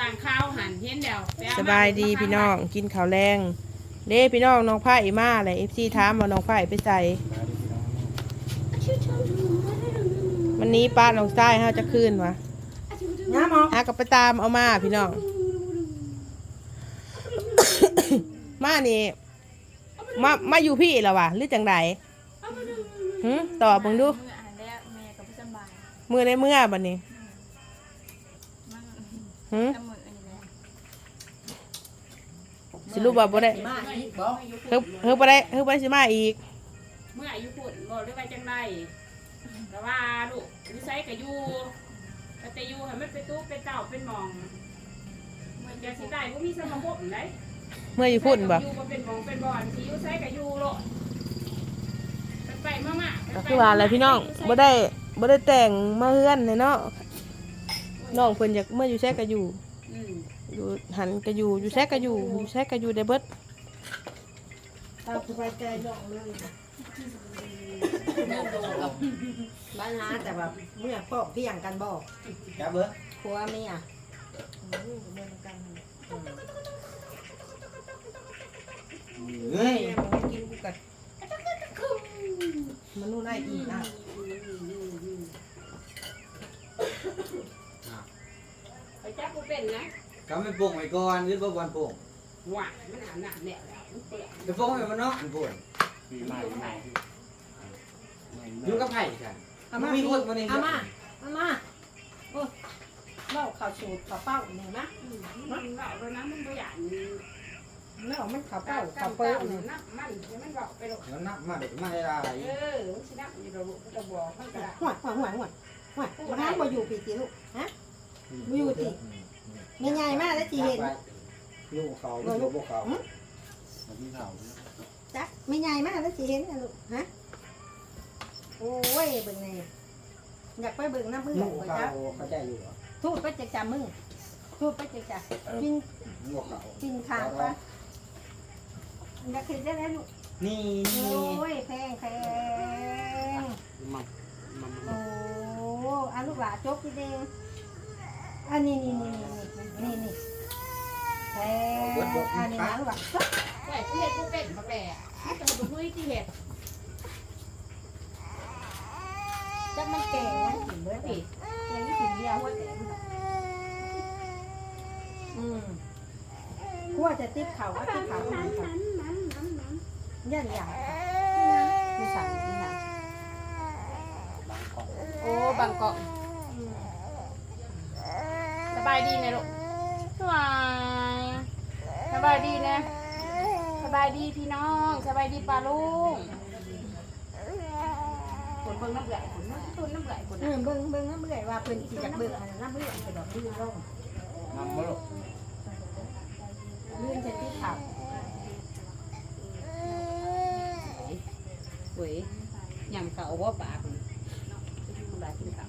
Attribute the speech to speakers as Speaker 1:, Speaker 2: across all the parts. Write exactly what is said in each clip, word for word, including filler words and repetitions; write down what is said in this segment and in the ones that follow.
Speaker 1: างข้าวหันเห็นเดียว
Speaker 2: สบายดีพี่น้องกินข้าวแรงเด้พี่น้องน้องไผ่มาเลยเอฟซีถามว่าน้องไผ่ไปใส่วันนี้ป้าน้องใต้เฮาจะคืนวะ
Speaker 3: น้ำหมอ
Speaker 2: หากับไปตามเอามาพี่น้อง มานี่มามาอยู่พี่แล้ววะหรือจังไดหืมตอบมึงดูมือในเมื่อบัดนี้หืมสิรู้บ่บ่ได้เฮ้ยเฮ้ยบ่ได้เฮ้ยบ่ได้สิมาอีก
Speaker 1: เมื่ออายุพุ่นบอกได้ว่าจังไรแต่ว่าลูกวิสัยกับยูแต่ยูให้มันเป็นตู้เป็นเต่าเป็นหมองมันจะสิได้พวกมีสมองพวกไหน
Speaker 2: เมื่ออยู่พุ่นบ่
Speaker 1: ยูเป็นหมองเป็นบอลที่ยูใช้กับยูโลไปมากๆ
Speaker 2: ก็คือว่าอะไรพี่น้องบ่ได้บ่ได้แต่งมาเฮือนเนาะน้องเพิ่นอยากเมื่ออยู่แท้ก็อยู่อยู่หันก็อยู่อยู่แท้ก็อยู่อยู่แท้ก็อยู่ได้เบิด
Speaker 3: ตาสบายใจน้องเลยบ้านหาแต่แบบเมื่อพ่อพี่อย่างกันบอก
Speaker 4: จับเบ้อ
Speaker 3: ครัวเมีย
Speaker 4: เฮ้ย
Speaker 3: กินกูกัดมันนู่นได้อีกนะ
Speaker 1: ไปจับกูเป็นนะ
Speaker 4: ก็ไม่ปลุกไม่ก่อนหรือบ่วันปลุก
Speaker 1: หวานมันหนาเนี่ยแล้ว
Speaker 4: ไปปลุกให้มันเนาะมันปลุกอยู่กับไผ่ค่ะมีคนมาเนี่ย
Speaker 3: อามาอามาโอ้เล่าข่าวสูตรข่าวเป้าเนี่ยนะ
Speaker 1: มันเล่าแล้วนะมันตัวอย่าง
Speaker 3: เล่ามันข่าวเป้าข่าวเป้าเนี่ย
Speaker 1: นับมันมันบอกไปหรอก
Speaker 4: มันนับมาเด็กมาให้ได้
Speaker 1: เออมันสินับอยู่เรามันจะบอกมันก็ได้
Speaker 3: หัวหัวหัวหัวหัวมาห้ามมาอยู่ปีติลูกฮะมาอยู่ติใหญ่ๆมากแล้วจีเห็น
Speaker 4: ลูกเขาลูกเขา
Speaker 3: จักไม่ใหญ่มากแล้วจีเห็นนะลูกฮะโอ้ยเบิ่งไงอยากไปเบิ่งน้ำมือ
Speaker 4: ลูกเขาเขาใจอยู่
Speaker 3: ทูดไปจะจับมึงทูดไปจะจับกินกินขาดปะอยากเห็นได้แล้วลูก
Speaker 4: นี่นี่
Speaker 3: โอ้ยแพงแพงโอ้อาลูกหลาจกพี่เด้งอันนี้นี่นี่นี่นี่แพงอันนี้นะลูกหลา
Speaker 1: แต่ที่เห็ดกูเป็นมาแก่ที่จะดูด้วยที่เห็ด
Speaker 3: จักมันแก่นะถึงเมื่อปีแก่ยี่สิบเดียวว่าแก่อืมกลัวจะติดเข่าว่าติดเข่าย่านใหญ่ไม่สั่งไม่สั่ง
Speaker 1: โอ้บางเกาะสบายดีนะลูกสบายสบายดีนะสบายดีพี่น้องสบายดีป้าลุงคนเบิ่งน้ำไหลคนน้ำต้นน้ำไหลคน
Speaker 3: เบิ่งเบิ่งน้ำไหลว่าเพิ่นสิจากเบิ่งน้ำไหลไปดอกลื่นลง
Speaker 4: น้ำบ่ลูก
Speaker 3: ลื่นจะติดเข่า
Speaker 1: เว้ยยำเก่าว่าปากปากกินเก่า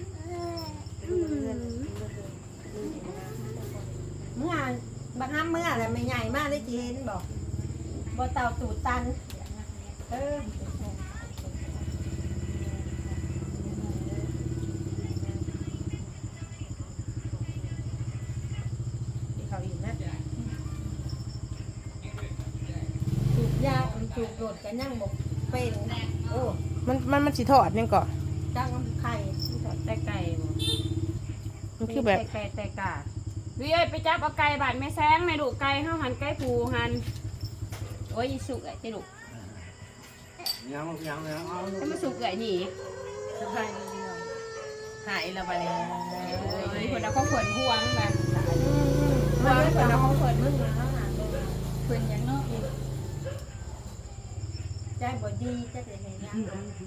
Speaker 3: เมื่อบางครั้งเมื่ออะไรไม่ใหญ่มากได้จีเห็นบอกบ่เต่าตูดตันเออเขาอีกนะสูบยาสูบโดดกันยังบอกเป็นโอ้
Speaker 2: มันมันมันสิทอดยังก่อน
Speaker 3: จ้างไข่
Speaker 1: แต่ไก่
Speaker 2: มันคือแบบ
Speaker 1: ไก่แต่กาวิเอ้ยไปจับเอาไก่บาดแม่แซงแม่ดุไก่ห้าหันไก่ผูหันโอ้ยสุกไอ้เจ้าดุ
Speaker 4: ยังยังยังเอา
Speaker 1: ถ้ามาสุกไก่นี่
Speaker 2: สุกไก่หายแล้วไปเลย
Speaker 1: คนเราเขาขนห่วงแบบ
Speaker 3: ห่วงคนเราเขาขนมึงนะ
Speaker 1: เพื่อนยังนอก
Speaker 3: ใจบ่ดีจะได้เห็นยัง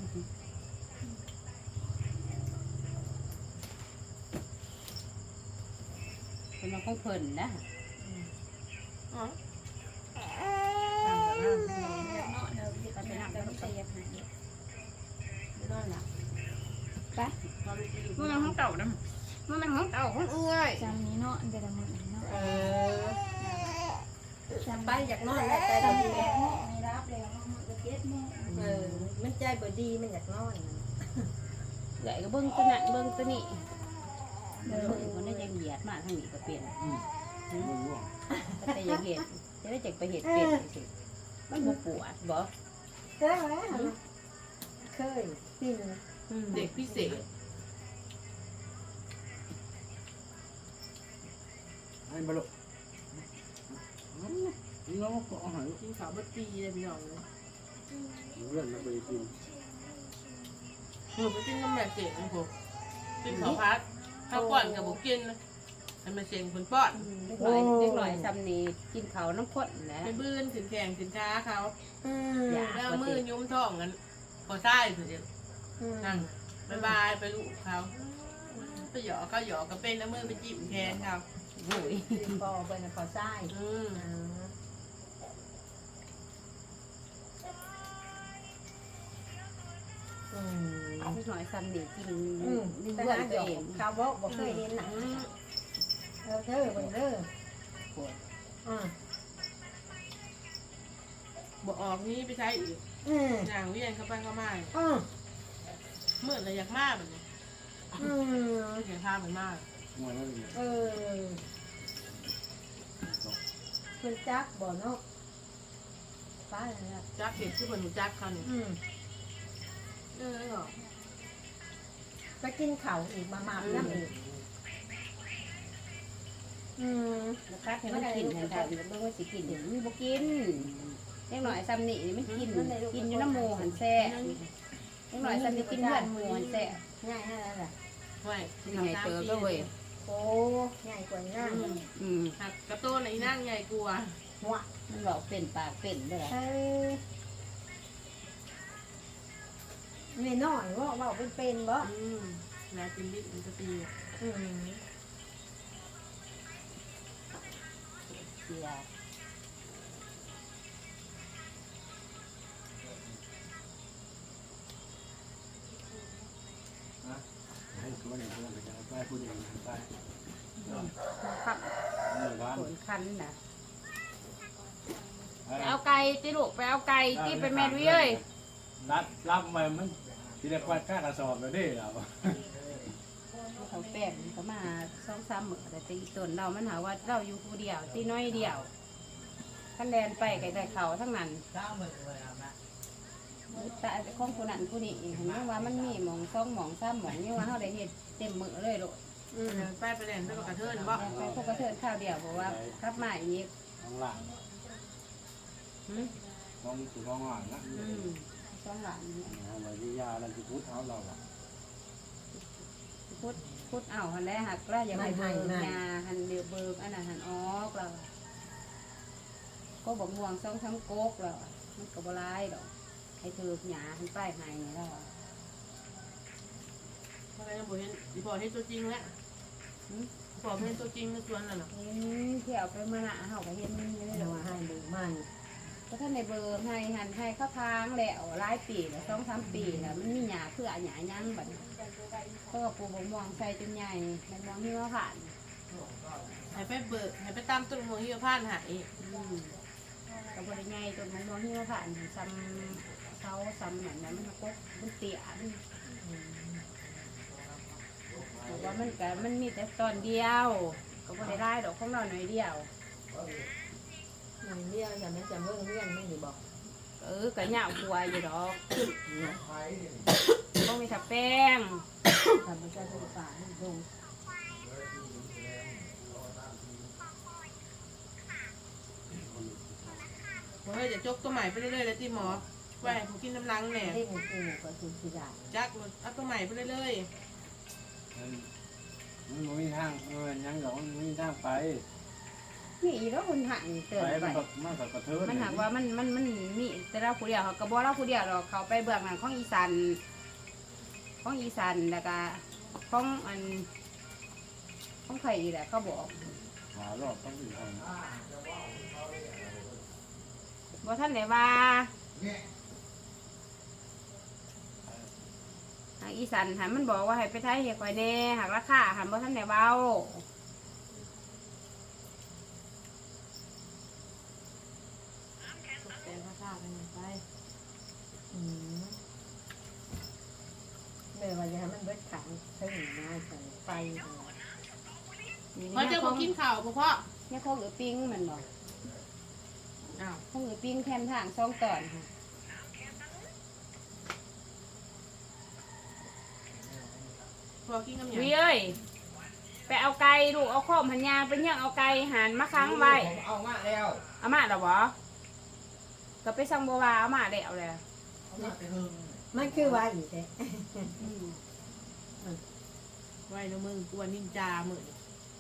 Speaker 1: คนเราเขาเพิ่นนะไปมันเป็นของเต่านะมันเป็นของเต่าของเอื้อย
Speaker 5: จำนี้เนาะเดี๋ยวมันเนาะ
Speaker 3: เออไปอยากนอนแล้วใจบ่ดีแล้ว
Speaker 5: ไม่รับแล้วมันจะเก็บแม่
Speaker 3: เออมันใจบ่ดีมันอยากนอน
Speaker 1: ใหญ่ก็เบิ้งตัวนั้นเบิ้งตัวนี้
Speaker 3: เออ
Speaker 6: คนได้ยังเหยียดมาทางนี้ก็เป็น
Speaker 4: บ่รู้
Speaker 6: แต่ยังเห็ดจะได้จักไปเห็ดเป็นสิมันบ่ปวดบ่
Speaker 3: เด้อไหมเคยกิน
Speaker 2: เด็กพิเศษ
Speaker 4: ให้บ่ลูกน้องก็เอาให้
Speaker 2: กินข้าวบัดปีเลยพี่น้องเลย
Speaker 4: เรื่องมันไปกิน
Speaker 2: หนูไปกินน้ำแม่เจ๋งผมกินข้าวพัดข้าวป้อนกับบุกินให้มาเจ๋งคนป้อน
Speaker 6: เล็กน้อยเล็กน้อยซ้ำนี่กินเขาน้ำข้นแหละ
Speaker 2: ไปบื้นถึงแข่งถึงช้าเขา
Speaker 3: อืม
Speaker 2: แล้วมือยุ้มท้องกันพอใต้สุดเดียว
Speaker 3: อืม
Speaker 2: นั่งบายบายไปลูกเขาไปหยอกเขาหยอกก็เป็นแล้วมือไปจิ้มแขนเขา
Speaker 6: โอ้ย
Speaker 3: พอเป็นพอไส้
Speaker 2: อืม
Speaker 3: อืม
Speaker 6: เล็กน้อยซ้ำนี่กิน
Speaker 3: อืม
Speaker 6: นี่
Speaker 3: แต่
Speaker 6: เพื่อน
Speaker 3: หา
Speaker 6: ตั
Speaker 3: ด
Speaker 6: ว
Speaker 3: อก
Speaker 6: เอง
Speaker 3: ข้าวบอกบอกเคยเห็นน่ะ
Speaker 2: อืม
Speaker 3: เออเด้อเบิ่งเด้อ
Speaker 6: ปวด
Speaker 3: อืม
Speaker 2: บอกออกนี้ไปใช้อีก
Speaker 3: อืม
Speaker 2: อย่างเวียนเข้าไปเข้ามา
Speaker 3: อืม
Speaker 2: เมื่อไรอยากมากแบบนี้
Speaker 3: อืม
Speaker 2: อยากพาเหมือนมาก
Speaker 4: งวยแล้วนี่
Speaker 3: เออเพิ่นจักบ่เนาะป้าเนี่ยนะ
Speaker 2: จักเห็ดชื่อบนหนูจักเขาเนี่ย
Speaker 3: อืม
Speaker 2: เออเหรอ
Speaker 3: ไปกินข้าวอีกมามาน้ำอีกอืม
Speaker 6: แล้วคัดให้มันกินให้ได้เบิ่งว่าสิกินมันบ่กินเล็กน้อยซ้ำนี่มันกินกินอยู่น้ำหมูหันแซ่เล็กน้อยซ้ำนี่กินเลือดหมูหันแซ่
Speaker 3: ง่ายแค่นั้นแหละ
Speaker 2: ไว้
Speaker 6: ใหญ่เติบแล้วเว้ย
Speaker 3: โอ้ง่ายกว่าง่าย
Speaker 2: อืม
Speaker 6: อืม
Speaker 2: หักกระโต้นไอ้นั่งใหญ่กลัว
Speaker 3: หัว
Speaker 6: มันบอกเป็นปากเป็นเด้อ
Speaker 3: เอ้ยนี่น้อยว่าว่าเป็นเป็นบ่
Speaker 2: อืมแล้วกินดิบมันจะตี
Speaker 3: อืม
Speaker 6: เสีย
Speaker 4: ให้ตัวนี้ตัวนี้ไปพูดอย่างนั้นไป
Speaker 6: ขับ
Speaker 4: นี่บ้าน
Speaker 6: ขนคันน่ะ
Speaker 2: ไปเอาไก่ติลูกไปเอาไก่ที่ไปแม่ด้วยเอ้ย
Speaker 4: นัดรับมามันที่ได้ควัดค่ากระสอบแล้วเด้เรา
Speaker 6: เขาแป้งมันก็มาสองสามมื้อแต่ตีต้นเรามันหาว่าเราอยู่ผู้เดียวตีน้อยเดียวคันแดนไปไก่แต่เขาทั้งนั้นแต่ของผู้นั้นผู้นี้เห็นไหมว่ามันมีหมองสองหมองสามหมองนี่ว่าเขาได้เห็ดเต็มมือเลยลูก
Speaker 3: อืม
Speaker 2: ไปไปเล่นไปกับกระเทินบ่
Speaker 6: ไปพวกกระเทินข้าวเดียวบอกว่ารับมาอีก
Speaker 4: ข้างหลัง
Speaker 6: หืม
Speaker 4: มองสู่มองหลังนะ
Speaker 6: อืมสองหลานเนี่ย
Speaker 4: เอาไว้ที่ยาแล้วที่พูดเท้าเราอ่ะ
Speaker 6: พุดพุดเอาหันได้หักแล้วอย่าไปเบิกยาหันเดือเบิกอันนั้นหันออกเราก็บอกม่วงสองทั้งโกกเรามันก็บร้ายดอกให้ถือหยาหันป้ายหายนี่แล้ว
Speaker 2: เพราะอะไรนะบ่เห็นอีพอเห็นตัวจริงแล้วพอเห็นตัวจริงในสวนน่ะเนาะ
Speaker 6: เห็นเที่ยวไปเมื่อหน้าเขาก็เห็นนี่เลย
Speaker 3: เดี๋
Speaker 6: ด
Speaker 3: ย
Speaker 6: อ
Speaker 3: ว
Speaker 6: ก
Speaker 3: ให้ดูมัน
Speaker 6: ก็ท่านในเบอร์ให้หันให้เข้าทางแล้วหลายปีแล้วสองสามปีแล้วมันมีหยาเพื่อหยายั้งแบบก็ปลูกมะม่วงใส่จนใหญ่มะม่วงที่ว่าผ่าน
Speaker 2: ให้ไปเบิกให้ไปตามต้นมะฮิวพานหาย
Speaker 6: อืมกับบริไงจนมะม่วงที่ว่าผ่านซ้ำเสาซ้ำอย่างนั้นมันก็มันเตี้ยมันแต่ว่ามันก็มันมีแต่ตอนเดียวก็บริได้ดอกของเราหน่อยเดียว
Speaker 3: อย่างเดียวจะไม่จำเรื่องเรื่องไม่ได้บอก
Speaker 6: เออก็เหยาหัวอยู่ดอกต้องมีถับแป้ง
Speaker 3: ทำมันจะเป็นฝาลง
Speaker 2: เฮ้ยจะจกตัวใหม่ไปเรื่อยๆเลยที่หมอไว้ผมกินน้ำลังแหน่
Speaker 3: เล่นกูก็คือสิได้
Speaker 2: จักเอาตัวใหม่ไปเรื่อย
Speaker 4: มันไม่มีทางเออยังหรอกมันไม่มีทางไป
Speaker 6: นี่แล้วคนหันเตือน
Speaker 4: ไป
Speaker 6: ไป
Speaker 4: มันแบบมันแบบกระเทิน
Speaker 6: มันหากว่ามันมันมันมีแต่เราผู้เดียวเขากระบอกเราผู้เดียวเราเขาไปเบื้องหลังของอีสานของอีสานแล้วก็ของอันของไข่แหละเขาบอก
Speaker 4: หารอบต้องอยู่ทาง
Speaker 6: บอกท่านไหนว่าหากอีสานหันมันบอกว่าให้ไปไทยเหี่ยคอยแน่หากราคาหันบอกท่านไหนเบา
Speaker 2: ๆแต่ข้าวๆกันไป
Speaker 3: อืมเมื่อวันนี้มันเบิดขังถึงมาใส่ไฟ
Speaker 1: เพราะเจ้าบ่กินข้าวบ่พ่อ
Speaker 6: เนี่ยคงเอือปิ้งมันบอก
Speaker 1: อ้าว
Speaker 6: คงเอือปิ้งแคมทางสองตอนค่ะ
Speaker 1: พอกินกับหยังวิเอ้ยไปเอาไก่ลูกเอาข้อมหันยางไปย่างเอาไก่หันมาค้างไว้
Speaker 4: ผมเอามาแล้ว
Speaker 1: เอามาแล้วบ่ก็ไปสั่งบัววาเอามาแล้วแหละ
Speaker 4: เอามาไปเฮิง
Speaker 3: มันคือว่าอีกแท้
Speaker 7: ไว้นะมึงกวนนินจาเหมือน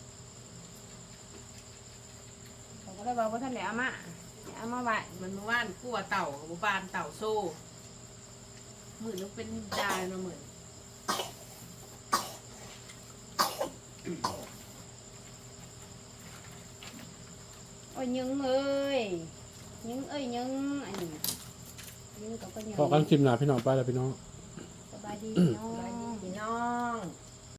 Speaker 6: เขาก็เลยบอกว่าท่านไหนเอามาเอามาไว้
Speaker 7: มันเมื่อวานกลัวเต่ากับบานเต่าโซ่เหมือนต้องเป็นนินจาเนาะเหมือน
Speaker 6: โอ้ยยึงเอ้ยยึงเอ้ยยึงอันนี้ยึงกับก็ยึง
Speaker 8: พอกันคลิปหนาพี่น้องไปแล้วพี่น้อง
Speaker 6: สบายดีเนาะ
Speaker 3: พี่น้อง